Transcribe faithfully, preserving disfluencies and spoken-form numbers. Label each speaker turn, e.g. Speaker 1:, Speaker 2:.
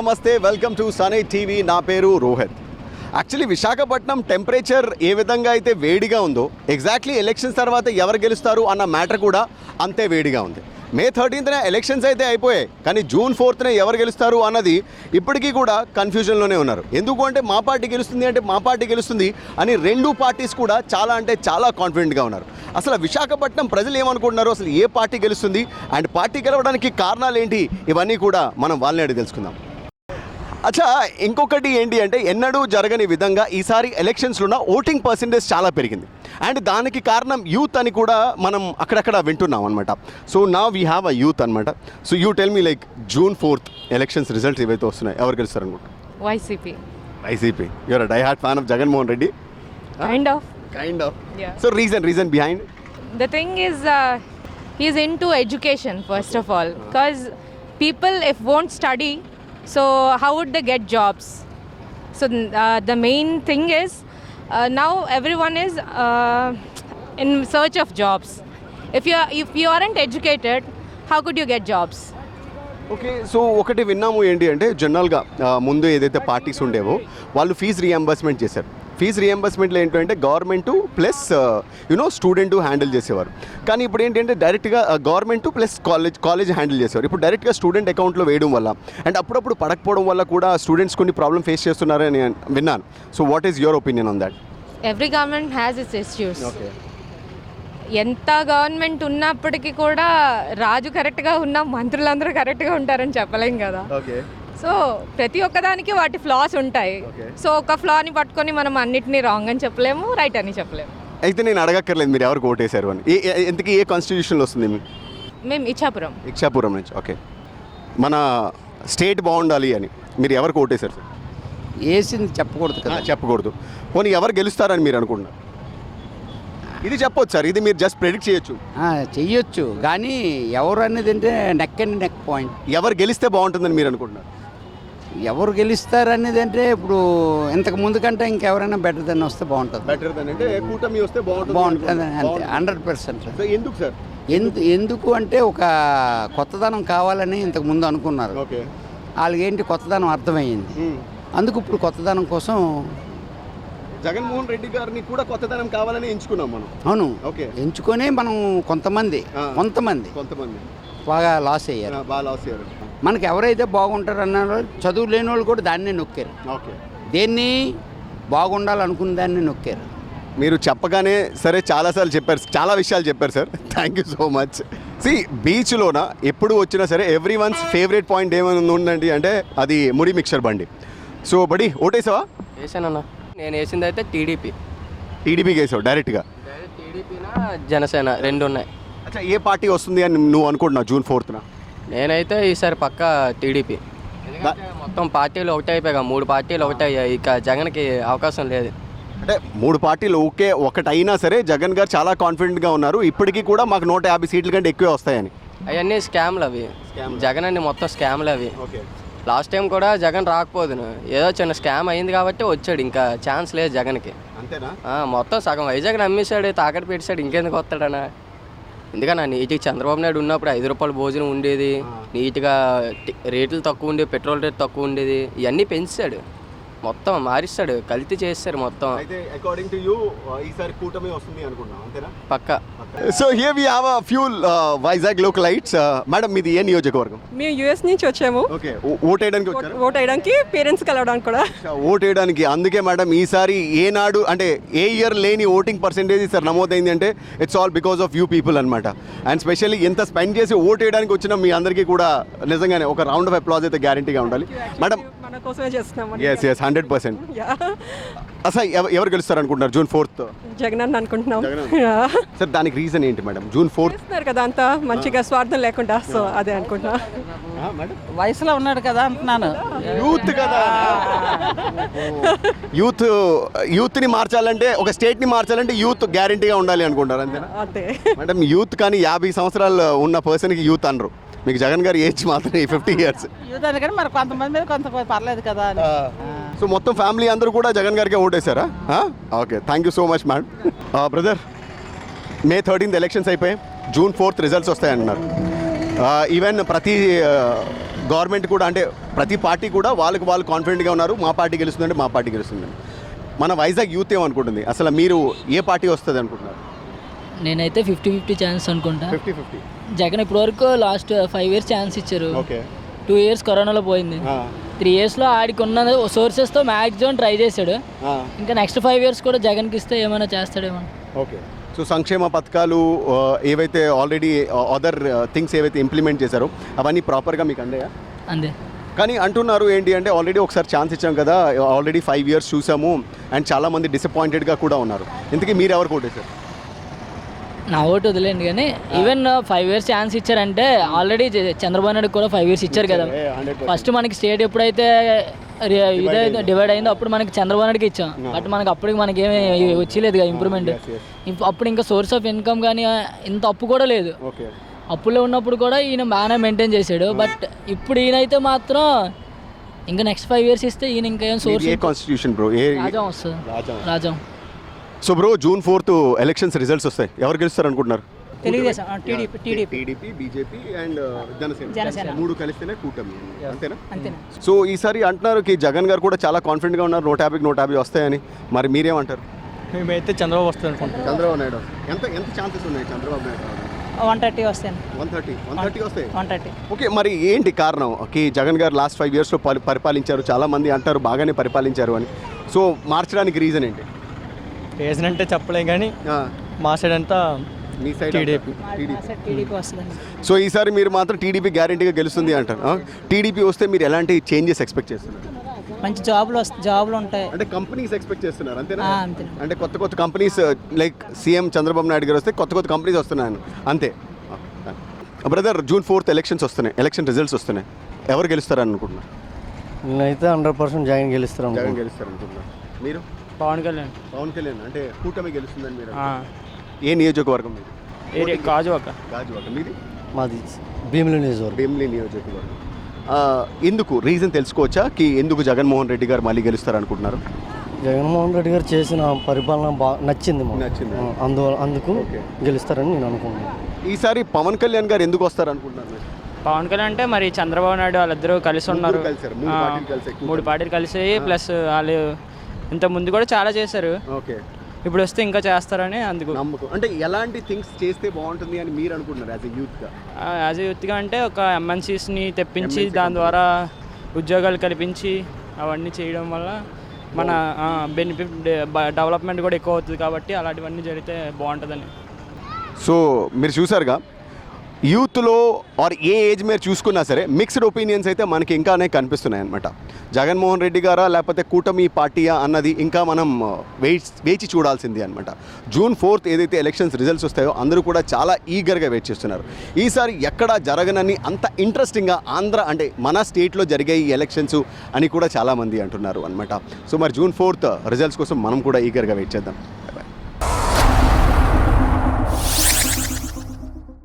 Speaker 1: నమస్తే, welcome to Sunny TV. నా పేరు రోహిత్. యాక్చువల్లీ విశాఖపట్నం టెంపరేచర్ ఏ విధంగా అయితే వేడిగా ఉందో, ఎగ్జాక్ట్లీ ఎలక్షన్స్ తర్వాత ఎవరు గెలుస్తారు అన్న మ్యాటర్ కూడా అంతే వేడిగా ఉంది. మే థర్టీన్త్న ఎలక్షన్స్ అయితే అయిపోయాయి, కానీ జూన్ ఫోర్త్న ఎవరు గెలుస్తారు అన్నది ఇప్పటికీ కూడా కన్ఫ్యూజన్లోనే ఉన్నారు. ఎందుకు అంటే మా పార్టీ గెలుస్తుంది అంటే మా పార్టీ గెలుస్తుంది అని రెండు పార్టీస్ కూడా చాలా అంటే చాలా కాన్ఫిడెంట్గా ఉన్నారు. అసలు విశాఖపట్నం ప్రజలు ఏమనుకుంటున్నారు, అసలు ఏ పార్టీ గెలుస్తుంది అండ్ పార్టీ గెలవడానికి కారణాలు ఏంటి, ఇవన్నీ కూడా మనం వాళ్ళని అడిగి తెలుసుకుందాం. అచ్చా, ఇంకొకటి ఏంటి అంటే ఎన్నడూ జరగని విధంగా ఈసారి ఎలక్షన్స్లో ఓటింగ్ పర్సెంటేజ్ చాలా పెరిగింది అండ్ దానికి కారణం యూత్ అని కూడా మనం అక్కడక్కడ వింటున్నాం అనమాట. సో నా వీ హ్యావ్ అ యూత్ అనమాట. So you tell me like June fourth elections results ఏవైతే వస్తున్నాయి, ఎవరు గెలుస్తారు అనుకుంటా?
Speaker 2: YCP.
Speaker 1: YCP. You are a die hard fan of Jaganmohan Reddy?
Speaker 2: Kind of.
Speaker 1: Kind of.
Speaker 2: Yeah.
Speaker 1: So reason, reason behind?
Speaker 2: The thing is, uh, he's into education first of all, because people if won't study, so how would they get jobs? So uh, the main thing is uh, now everyone is uh, in search of jobs. If you are, if you aren't educated, how could you get jobs?
Speaker 1: Okay, so ఒకటి విన్నాము ఏంటి అంటే జనరల్గా ముందు ఏదైతే parties ఉండేవో వాళ్ళు fees reimbursement చేశారు. ఫీజు రియంబర్స్మెంట్లో ఏంటంటే government plus you know student handle చేసేవారు. కానీ ఇప్పుడు ఏంటంటే డైరెక్ట్గా government plus college college handle చేసేవారు. ఇప్పుడు డైరెక్ట్గా స్టూడెంట్ అకౌంట్లో వేయడం వల్ల అండ్ అప్పుడప్పుడు పడకపోవడం వల్ల కూడా స్టూడెంట్స్ కొన్ని ప్రాబ్లమ్ ఫేస్ చేస్తున్నారని విన్నాను. So what is your opinion on that?
Speaker 2: Every government has its issues.
Speaker 1: ఓకే,
Speaker 2: ఎంత గవర్నమెంట్ ఉన్నప్పటికీ కూడా రాజు కరెక్ట్గా ఉన్న మంత్రులందరూ కరెక్ట్గా ఉంటారని చెప్పలేం కదా.
Speaker 1: ఓకే,
Speaker 2: సో ప్రతి ఒక్కదానికి వాటి ఫ్లాస్ ఉంటాయి.
Speaker 1: Okay.
Speaker 2: సో ఒక ఫ్లాని పట్టుకొని మనం అన్నిటినీ రాంగ్ అని చెప్పలేము, రైట్ అని చెప్పలేము.
Speaker 1: అయితే నేను అడగక్కర్లేదు మీరు ఎవరికి ఓటేశారు అని. ఏ ఏ- ఎంతకీ ఏ కాన్స్టిట్యూషన్లో వస్తుంది మీకు?
Speaker 2: మేము ఇచ్చాపురం.
Speaker 1: ఇక్షాపురం నుంచి. ఓకే, మన స్టేట్ బాగుండాలి అని మీరు ఎవరికి ఓటేశారు సార్?
Speaker 3: వేసింది చెప్పకూడదు కదా.
Speaker 1: చెప్పకూడదు. పోనీ ఎవరు గెలుస్తారని మీరు అనుకుంటున్నారు? ఇది చెప్పొచ్చు సార్, ఇది మీరు జస్ట్ ప్రెడిక్ట్ చేయొచ్చు.
Speaker 3: ఆ, చెయ్యొచ్చు కానీ ఎవరు అనేది అంటే నెక్ అండ్ నెక్ పాయింట్.
Speaker 1: ఎవరు గెలిస్తే బాగుంటుందని మీరు అనుకుంటున్నారు?
Speaker 3: ఎవరు గెలుస్తారు అనేది అంటే ఇప్పుడు ఇంతకు ముందు కంటే ఇంకెవరైనా బెటర్ దెన్ వస్తే బాగుంటుంది.
Speaker 1: బెటర్ దెన్ అంటే కూటమి వస్తే బాగుంటుంది.
Speaker 3: బాగుంటుంది అంతే, హండ్రెడ్ పర్సెంట్.
Speaker 1: ఎందుకు సార్?
Speaker 3: ఎందు ఎందుకు అంటే ఒక కొత్తదనం కావాలని ఇంతకు ముందు అనుకున్నారు.
Speaker 1: ఓకే,
Speaker 3: వాళ్ళకి ఏంటి కొత్తదనం అర్థమయ్యింది. అందుకు ఇప్పుడు కొత్తదనం కోసం
Speaker 1: జగన్మోహన్ రెడ్డి గారిని కూడా కొత్తదనం కావాలని ఎంచుకున్నాం మనం.
Speaker 3: అవును
Speaker 1: ఓకే,
Speaker 3: ఎంచుకొని మనం కొంతమంది కొంతమంది
Speaker 1: కొంతమంది
Speaker 3: బాగా లాస్ అయ్యారు.
Speaker 1: బాగా లాస్ అయ్యారు.
Speaker 3: మనకి ఎవరైతే బాగుంటారు అన్నారో చదువు లేని వాళ్ళు కూడా దాన్నే నొక్కారు.
Speaker 1: ఓకే,
Speaker 3: దేన్ని బాగుండాలనుకున్న దాన్ని నొక్కారు.
Speaker 1: మీరు చెప్పగానే సరే చాలాసార్లు చెప్పారు, చాలా విషయాలు చెప్పారు sir. Thank you so much. సి బీచ్లోన ఎప్పుడు వచ్చినా సరే ఎవ్రీ వన్స్ ఫేవరెట్ పాయింట్ ఏమైనా ఉందండి అంటే అది ముడి మిక్చర్ బండి. సో బడి ఓటేసావా?
Speaker 4: వేసానన్నా. నేను వేసింది అయితే టీడీపీ.
Speaker 1: టీడీపీకి వేసావు డైరెక్ట్గా?
Speaker 4: టీడీపీనా జనసేన రెండు ఉన్నాయి.
Speaker 1: అచ్చా, ఏ పార్టీ వస్తుంది అని నువ్వు అనుకుంటున్నావు జూన్ ఫోర్త్న?
Speaker 4: నేనైతే ఈసారి పక్కా టీడీపీ. ఎందుకంటే మొత్తం పార్టీలు ఒకటే అయిపోయాయి, మూడు పార్టీలు ఒకటే అయ్యాయి, ఇక జగన్కి అవకాశం లేదు.
Speaker 1: అంటే మూడు పార్టీలు ఓకే ఒకటి అయినా సరే జగన్ గారు చాలా కాన్ఫిడెంట్గా ఉన్నారు, ఇప్పటికీ కూడా మాకు నూట యాభై సీట్ల కంటే ఎక్కువే వస్తాయని.
Speaker 4: అవన్నీ స్కామ్లు అవి. జగన్ అన్ని మొత్తం స్కామ్లు అవి.
Speaker 1: ఓకే,
Speaker 4: లాస్ట్ టైం కూడా జగన్ రాకపోదును, ఏదో చిన్న స్కామ్ అయింది కాబట్టి వచ్చాడు, ఇంకా ఛాన్స్ లేదు జగన్కి.
Speaker 1: అంతేనా?
Speaker 4: మొత్తం సగం వైజాగ్ నమ్మేశాడు, తాకట్టు పెట్టాడు, ఇంకెందుకు వస్తాడనా? ఎందుకన్నా నీట్గా చంద్రబాబు నాయుడు ఉన్నప్పుడు ఐదు రూపాయల భోజనం ఉండేది, నీట్గా రేట్లు తక్కువ ఉండేవి, పెట్రోల్ రేట్ తక్కువ ఉండేది, ఇవన్నీ పెంచాడు, మొత్తం మారిస్తాడు, కల్తీ చేస్తాడు మొత్తం.
Speaker 1: అయితే అకార్డింగ్ టు యూ ఈసారి కూటమి వస్తుంది అనుకుంటున్నాం, అంతేనా?
Speaker 4: పక్కా.
Speaker 1: So here we have a few Vizag localites. Madam మీది ఏ నియోజకవర్గం?
Speaker 5: మేము యూఎస్ నుంచి వచ్చాము.
Speaker 1: ఓకే, ఓట్ వేయడానికి వచ్చారు?
Speaker 5: ఓట్ వేయడానికి, పేరెంట్స్ కలవడానికి కూడా.
Speaker 1: ఓట్ వేయడానికి. అందుకే మేడం ఈసారి ఏనాడు అంటే ఏ ఇయర్ లేని ఓటింగ్ పర్సెంటేజ్ సార్ నమోదైంది అంటే it's all because of you people అనమాట. అండ్ స్పెషల్లీ ఎంత స్పెండ్ చేసి ఓట్ వేయడానికి వచ్చిన మీ అందరికీ కూడా నిజంగానే ఒక రౌండ్ ఆఫ్ అప్లాజ్ అయితే గ్యారంటీగా ఉండాలి మేడం.
Speaker 5: మన కోసమే చేస్తున్నాం.
Speaker 1: Yes yes hundred percent. అసలు ఎవరు గెలుస్తారు అనుకుంటున్నారు జూన్ ఫోర్త్?
Speaker 5: జగన్ అని అనుకుంటున్నాం
Speaker 1: సార్. దానికి రీజన్ ఏంటి మేడం? జూన్ ఫోర్త్
Speaker 5: చేస్తున్నారు కదా అంతా మంచిగా, స్వార్థం లేకుండా, సో అదే అనుకుంటున్నా.
Speaker 6: వయసులో ఉన్నాడు కదా అంటున్నాను.
Speaker 1: యూత్ కదా, యూత్ యూత్ని మార్చాలంటే, ఒక స్టేట్ని మార్చాలంటే యూత్ గ్యారంటీగా ఉండాలి అనుకుంటారు, అంతేనా?
Speaker 5: అంతే
Speaker 1: మేడం. యూత్ కానీ యాభై సంవత్సరాలు ఉన్న పర్సన్కి యూత్ అనరు. మీకు జగన్ గారి ఏజ్ మాత్రం ఫిఫ్టీ ఇయర్స్.
Speaker 6: యూత్ అని కానీ మరి కొంతమంది మీద కొంత పర్లేదు కదా అని.
Speaker 1: సో మొత్తం ఫ్యామిలీ అందరూ కూడా జగన్ గారికి ఓటేశారా? Okay, thank you so much ma'am. Brother, May thirteenth elections అయిపోయి జూన్ ఫోర్త్ రిజల్ట్స్ వస్తాయంటున్నారు. ఈవెన్ ప్రతి గవర్నమెంట్ కూడా అంటే ప్రతి పార్టీ కూడా వాళ్ళకి వాళ్ళు కాన్ఫిడెంట్గా ఉన్నారు, మా పార్టీ గెలుస్తుందంటే మా పార్టీ గెలుస్తుందని. మన వైజాగ్ యూత్ ఏమనుకుంటుంది, అసలు మీరు ఏ పార్టీ వస్తుంది అనుకుంటున్నారు?
Speaker 7: నేనైతే ఫిఫ్టీ ఫిఫ్టీ ఛాన్స్ అనుకుంటా.
Speaker 1: ఫిఫ్టీ ఫిఫ్టీ
Speaker 7: జగన్ ఇప్పటివరకు లాస్ట్ ఫైవ్ ఇయర్స్ ఛాన్స్ ఇచ్చారు.
Speaker 1: ఓకే.
Speaker 7: టూ ఇయర్స్ కరోనాలో పోయింది. త్రీ ఇయర్స్లో ఆడికి ఉన్న సోర్సెస్తో మ్యాక్సిమం ట్రై చేశాడు. ఇంకా నెక్స్ట్ ఫైవ్ ఇయర్స్ కూడా జగన్కి ఇస్తే ఏమైనా చేస్తాడేమో.
Speaker 1: ఓకే. సో సంక్షేమ పథకాలు ఆ, ఏవైతే ఆల్రెడీ అదర్ థింగ్స్ ఏవైతే ఇంప్లిమెంట్ చేశారో అవన్నీ ప్రాపర్గా మీకు అందాయా?
Speaker 7: అంతే.
Speaker 1: కానీ అంటున్నారు ఏంటి అంటే ఆల్రెడీ ఒకసారి ఛాన్స్ ఇచ్చాం కదా, ఆల్రెడీ ఫైవ్ ఇయర్స్ చూసాము అండ్ చాలామంది డిసప్పాయింటెడ్గా కూడా ఉన్నారు. ఇంతకీ మీరు ఎవరు కొట్టేశారు?
Speaker 7: నా ఓటు వదిలేండి, కానీ ఈవెన్ ఫైవ్ ఇయర్స్ ఛాన్స్ ఇచ్చారంటే ఆల్రెడీ చంద్రబాబు నాయుడు కూడా ఫైవ్ ఇయర్స్ ఇచ్చారు కదా. ఫస్ట్ మనకి స్టేట్ ఎప్పుడైతే ఇదే డివైడ్ అయిందో అప్పుడు మనకి చంద్రబాబు నాయుడుకి ఇచ్చాం. బట్ మనకి అప్పటికి మనకి ఏమి వచ్చేలేదు కదా ఇంప్రూవ్మెంట్. అప్పుడు ఇంకా సోర్స్ ఆఫ్ ఇన్కమ్ కానీ ఇంత అప్పు కూడా లేదు. అప్పులో ఉన్నప్పుడు కూడా ఈయన బాగానే మెయింటైన్ చేశాడు. బట్ ఇప్పుడు ఈయనైతే మాత్రం ఇంకా నెక్స్ట్ ఫైవ్ ఇయర్స్ ఇస్తే ఈయన ఇంకా ఏం సోర్స్
Speaker 1: కాన్స్టిట్యూషన్ బ్రో ఏ
Speaker 7: రాజం వస్తుంది. Rajam.
Speaker 1: So bro June fourth elections results వస్తాయి, ఎవరు గెలుస్తారు అనుకుంటున్నారు?
Speaker 8: Telugudesam, TDP TDP
Speaker 1: TDP BJP and Janasena
Speaker 8: Janasena.
Speaker 1: మూడు కలిస్తేనే కూటమి, అంతేనా?
Speaker 8: అంతేనా.
Speaker 1: సో ఈసారి అంటున్నారు కి జగన్ గారు కూడా చాలా కాన్ఫిడెంట్గా ఉన్నారు, నూట యాభైకి నూట యాభై వస్తాయని. మరి మీరేమంటారు?
Speaker 9: మేమైతే చంద్రబాబు వస్తుంది అనుకుంటున్నాం.
Speaker 1: చంద్రబాబు నాయుడు ఎంత ఎంత ఛాన్సెస్ ఉన్నాయి చంద్రబాబు నాయుడు?
Speaker 8: వన్ థర్టీ వస్తాను.
Speaker 1: వన్ థర్టీ వన్ థర్టీ వస్తాయి.
Speaker 8: One thirty.
Speaker 1: ఓకే. మరి ఏంటి కారణం కి జగన్ గారు లాస్ట్ ఫైవ్ ఇయర్స్లో పరి పరిపాలించారు, చాలామంది అంటారు బాగానే పరిపాలించారు అని. సో మార్చడానికి రీజన్ ఏంటి?
Speaker 9: రీజన్ అంటే చెప్పలేం, కానీ మా సైడ్ అంతా
Speaker 1: మీ సైడ్
Speaker 9: టీడీపీ.
Speaker 8: టీడీపీ వస్తుందండి.
Speaker 1: సో ఈసారి మీరు మాత్రం టీడీపీ గ్యారెంటీగా గెలుస్తుంది అంటారు. టీడీపీ వస్తే మీరు ఎలాంటి చేంజెస్ ఎక్స్పెక్ట్ చేస్తున్నారు?
Speaker 8: మంచి జాబ్లు వస్తాయి, జాబ్లు ఉంటాయి.
Speaker 1: అంటే కంపెనీస్ ఎక్స్పెక్ట్ చేస్తున్నారు, అంతేనా?
Speaker 8: ఆ, అంతే.
Speaker 1: అంటే కొత్త కొత్త companies like CM Chandrababu Naidu garu వస్తే కొత్త కొత్త కంపెనీస్ వస్తున్నాయి అంతే. బ్రదర్ జూన్ ఫోర్త్ ఎలక్షన్స్ వస్తున్నాయి, ఎలక్షన్ రిజల్ట్స్ వస్తున్నాయి, ఎవరు గెలుస్తారని అనుకుంటున్నారు?
Speaker 9: నేనైతే హండ్రెడ్ పర్సెంట్ జగన్ గెలుస్తాను.
Speaker 1: జగన్ గెలుస్తారు అనుకుంటున్నారు. మీరు?
Speaker 9: పవన్ కళ్యాణ్.
Speaker 1: పవన్ కళ్యాణ్ అంటే కూటమి గెలుస్తుందని మీరు? ఏ నియోజకవర్గం మీరు?
Speaker 9: ఏరియా గాజువాక.
Speaker 1: గాజువాక. మీది?
Speaker 9: మాది భీమిలి నియోజకవర్గం.
Speaker 1: భీమిలి నియోజకవర్గం. ఎందుకు రీజన్ తెలుసుకోవచ్చా కి ఎందుకు జగన్మోహన్ రెడ్డి గారు మళ్ళీ గెలుస్తారు అనుకుంటున్నారు?
Speaker 9: జగన్మోహన్ రెడ్డి గారు చేసిన పరిపాలన బాగా నచ్చింది మాకు.
Speaker 1: నచ్చింది.
Speaker 9: అందువల్ల అందుకు
Speaker 1: ఓకే.
Speaker 9: గెలుస్తారని నేను అనుకుంటున్నాను.
Speaker 1: ఈసారి పవన్ కళ్యాణ్ గారు ఎందుకు వస్తారు అనుకుంటున్నారు మీరు?
Speaker 10: పవన్ కళ్యాణ్ అంటే మరి చంద్రబాబు నాయుడు వాళ్ళిద్దరూ కలిసి ఉన్నారు.
Speaker 1: ముగ్గురు కలిసారు, మూడు
Speaker 10: ఆ,
Speaker 1: పార్టీలు కలిసాయి,
Speaker 10: మూడు పార్టీలు కలిసి ప్లస్ వాళ్ళు ఇంత ముందు కూడా చాలా చేశారు.
Speaker 1: ఓకే.
Speaker 10: ఇప్పుడు వస్తే ఇంకా చేస్తారని అందుకు
Speaker 1: నమ్మకం. అంటే ఎలాంటి థింగ్స్ చేస్తే బాగుంటుంది అని మీరు అనుకుంటున్నారు యాజ్ ఎ యూత్గా?
Speaker 10: యాజ్ ఎ యూత్గా అంటే ఒక ఎంఎన్సీస్ని తెప్పించి దాని ద్వారా ఉద్యోగాలు కల్పించి అవన్నీ చేయడం వల్ల మన బెనిఫిట్ డెవలప్మెంట్ కూడా ఎక్కువ అవుతుంది. కాబట్టి అలాంటివన్నీ జరిగితే బాగుంటుందని.
Speaker 1: సో మీరు చూసారుగా, యూత్లో ఆర్ ఏ ఏజ్ మీరు చూసుకున్నా సరే మిక్స్డ్ ఒపీనియన్స్ అయితే మనకి ఇంకానే కనిపిస్తున్నాయి అనమాట. జగన్మోహన్ రెడ్డి గారా లేకపోతే కూటమి పార్టీయా అన్నది ఇంకా మనం వెయిట్ వేచి చూడాల్సింది అనమాట. జూన్ ఫోర్త్ ఏదైతే ఎలక్షన్స్ రిజల్ట్స్ వస్తాయో అందరూ కూడా చాలా ఈగర్గా వెయిట్ చేస్తున్నారు. ఈసారి ఎక్కడ జరగనని అంత ఇంట్రెస్టింగ్గా ఆంధ్ర అంటే మన స్టేట్లో జరిగే ఈ ఎలక్షన్స్ అని కూడా చాలామంది అంటున్నారు అనమాట. సో మరి జూన్ ఫోర్త్ రిజల్ట్స్ కోసం మనం కూడా ఈగర్గా వెయిట్ చేద్దాం.